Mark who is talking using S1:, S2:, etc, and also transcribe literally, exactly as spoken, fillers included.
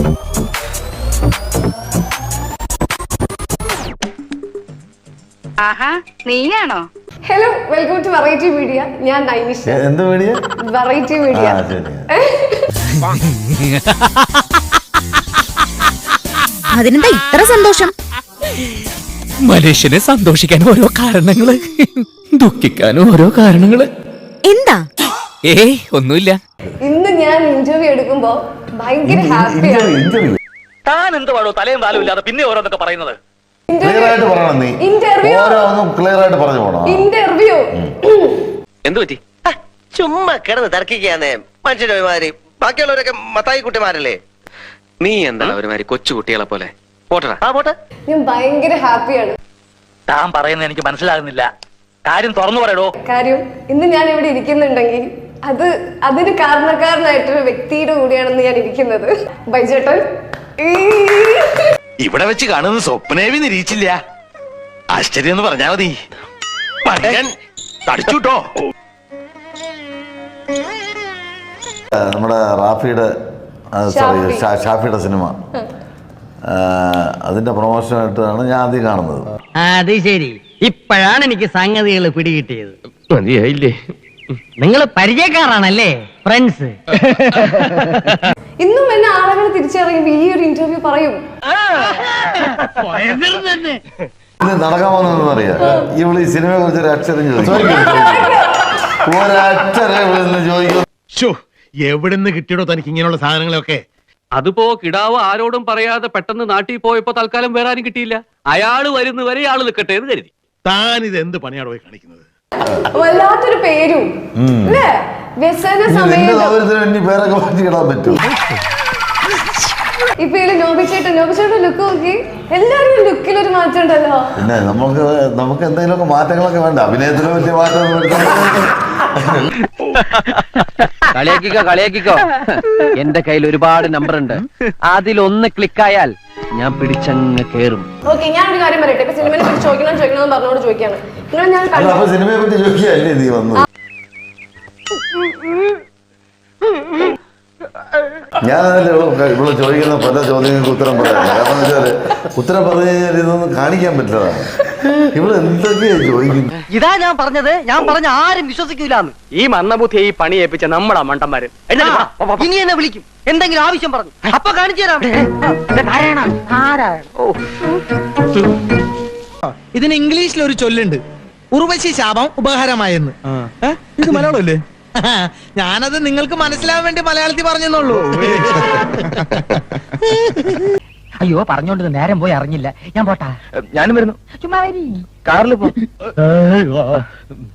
S1: ആഹാ, നീയാണോ?
S2: Hello, welcome to variety media. ഞാൻ നൈനിഷ.
S3: എന്ത് മീഡിയ?
S2: Variety media.
S4: അതിനെന്താ ഇത്ര സന്തോഷം?
S5: മനുഷ്യനെ സന്തോഷിക്കാൻ ഓരോ കാരണങ്ങള്, ദുഃഖിക്കാനും ഓരോ കാരണങ്ങള്.
S4: എന്താ?
S5: ഏയ് ഒന്നുമില്ല.
S2: ഇന്ന് ഞാൻ ഇന്റർവ്യൂ എടുക്കുമ്പോ ഭയങ്കര ഹാപ്പിയാണ്.
S6: താൻ എന്ത് പാടോ തലയും താലും ഇല്ലാതെ പിന്നെ ഓരോന്നൊക്കെ പറയുന്നത്?
S2: ഇന്റർവ്യൂ
S6: എന്ത് പറ്റി?
S7: ചുമ്മാ കിടന്ന് തർക്കിക്കാന്നേ മനുഷ്യന്റെ ഒരുമാതിരി. ബാക്കിയുള്ളവരൊക്കെ മത്തായി കുട്ടിമാരല്ലേ?
S6: നീ എന്താണ് ഒരുമാതിരി കൊച്ചു കുട്ടികളെ പോലെ? പോട്ടടാ.
S7: ആ പോട്ടെ.
S2: ഞാൻ ഭയങ്കര ഹാപ്പിയാണ്.
S6: താൻ പറയുന്നത് എനിക്ക് മനസ്സിലാകുന്നില്ല. കാര്യം തുറന്നു പറയടോ.
S2: കാര്യം ഇന്ന് ഞാൻ ഇവിടെ ഇരിക്കുന്നുണ്ടെങ്കിൽ അത് അതിന് കാരണക്കാരനായിട്ടൊരു വ്യക്തിയുടെ കൂടിയാണെന്ന് ഞാൻ ഇരിക്കുന്നത്. ബൈജേട്ടൻ
S8: ഇവിടെ വെച്ച് കാണുന്ന സ്വപ്നേവി നിരീക്ഷില്ല. ആശ്ചര്യം എന്ന് പറഞ്ഞാ മതി. തടിച്ചുട്ടോ.
S3: നമ്മുടെ റാഫിയുടെ സോറി ഷാഫിയുടെ സിനിമ, അതിന്റെ പ്രൊമോഷനായിട്ടാണ് ഞാൻ ആദ്യം കാണുന്നത്.
S9: അത് ശരി, ഇപ്പോഴാണ് എനിക്ക് സംഗതികൾ പിടികിട്ടിയത്.
S6: മതിയായില്ലേ?
S9: നിങ്ങൾ പരിചയക്കാരാണല്ലേ, ഫ്രണ്ട്സ്?
S2: ഇന്നും എന്നെ ആളുകൾ തിരിച്ചറിയുമ്പോ ഈ ഒരു ഇന്റർവ്യൂ പറയും.
S3: ഇത് നടക്കാൻ പോകുന്നതെന്ന് അറിയാം. ഇവള് ഈ സിനിമയെ കുറിച്ച് ഒരു അക്ഷരം ചോദിക്കും, ഒരക്ഷരം ചോദിക്കും.
S8: എവിടുന്ന് കിട്ടിയോ തനിക്ക് ഇങ്ങനെയുള്ള സാധനങ്ങളൊക്കെ?
S6: അതിപ്പോ കിടാവ് ആരോടും പറയാതെ പെട്ടെന്ന് നാട്ടിൽ പോയപ്പോ തൽക്കാലം വേറെ ആരും കിട്ടിയില്ല. അയാള് വരുന്നവരെ ഇയാള് നിൽക്കട്ടെ എന്ന് കരുതി.
S8: താൻ ഇത് എന്ത് പണിയാണ് പോയി കാണിക്കുന്നത്?
S2: വല്ലാത്തൊരു പേരും അല്ലേ? വ്യസന സമയത്ത്
S3: പേരൊക്കെ മാറ്റിയിടാൻ പറ്റും.
S2: ഇപ്പൊ ഇതില് നോബിച്ചേട്ടൻ നോബിച്ചേട്ടൻ ലുക്ക് നോക്കി, എല്ലാരും ലുക്കിൽ ഒരു മാറ്റം ഉണ്ടല്ലോ.
S3: പിന്നെ നമുക്ക് നമുക്ക് എന്തെങ്കിലുമൊക്കെ മാറ്റങ്ങളൊക്കെ വേണ്ട. അഭിനയത്തിന് വലിയ മാറ്റം.
S9: കളിയാക്കിക്കോ കളിയാക്കിക്കോ. എന്റെ കയ്യിൽ ഒരുപാട് നമ്പർ ഉണ്ട്. അതിലൊന്ന് ക്ലിക്കായാൽ ഞാൻ പിടിച്ചങ്ങ് കേറും.
S2: ഓക്കെ, ഞാനൊരു കാര്യം പറയട്ടെ. ഇപ്പൊ സിനിമയെ പറ്റി ചോദിക്കണം ചോദിക്കണം എന്ന് പറഞ്ഞോട് ചോദിക്കാണ്. നിങ്ങൾ ഞാൻ
S3: അപ്പൊ സിനിമയെ പറ്റി ചോദിക്കുകയല്ലേ നീ വന്നത്? ഞാനതല്ലേ ഇവിടെ ചോദിക്കുന്ന പല ചോദ്യങ്ങൾക്ക് ഉത്തരം പറയാം. കാരണം വെച്ചാല് ഉത്തരം പറഞ്ഞു കഴിഞ്ഞാൽ ഇതൊന്നും കാണിക്കാൻ പറ്റില്ലതാണ്. ഇവിടെ എന്തൊക്കെയാ ചോദിക്കുന്നത്?
S9: ഇതാ ഞാൻ പറഞ്ഞത്. ഞാൻ പറഞ്ഞ ആരും വിശ്വസിക്കൂലെന്ന്.
S6: ഈ മന്ദബുദ്ധിയെ ഈ പണി ഏൽപ്പിച്ച നമ്മളാ മണ്ടന്മാര്.
S9: ഇനി എന്നെ വിളിക്കും, എന്തെങ്കിലും ആവശ്യം പറഞ്ഞു. അപ്പൊ കാണിച്ചു തരാം.
S5: ഇതിന് ഇംഗ്ലീഷിൽ ഒരു ചൊല്ലുണ്ട്, ഉർവശി ശാപം ഉപഹാരമായെന്ന്. ഇത് മലയാളമല്ലേ? ഞാനത് നിങ്ങൾക്ക് മനസ്സിലാവാൻ വേണ്ടി മലയാളത്തിൽ പറഞ്ഞെന്നുള്ളൂ.
S9: അയ്യോ, പറഞ്ഞോണ്ട് നേരം പോയി അറിഞ്ഞില്ല. ഞാൻ പോട്ടാ.
S6: ഞാനും വരുന്നു.
S9: ചുമ്മാ വരി.
S6: കാറിൽ പോ.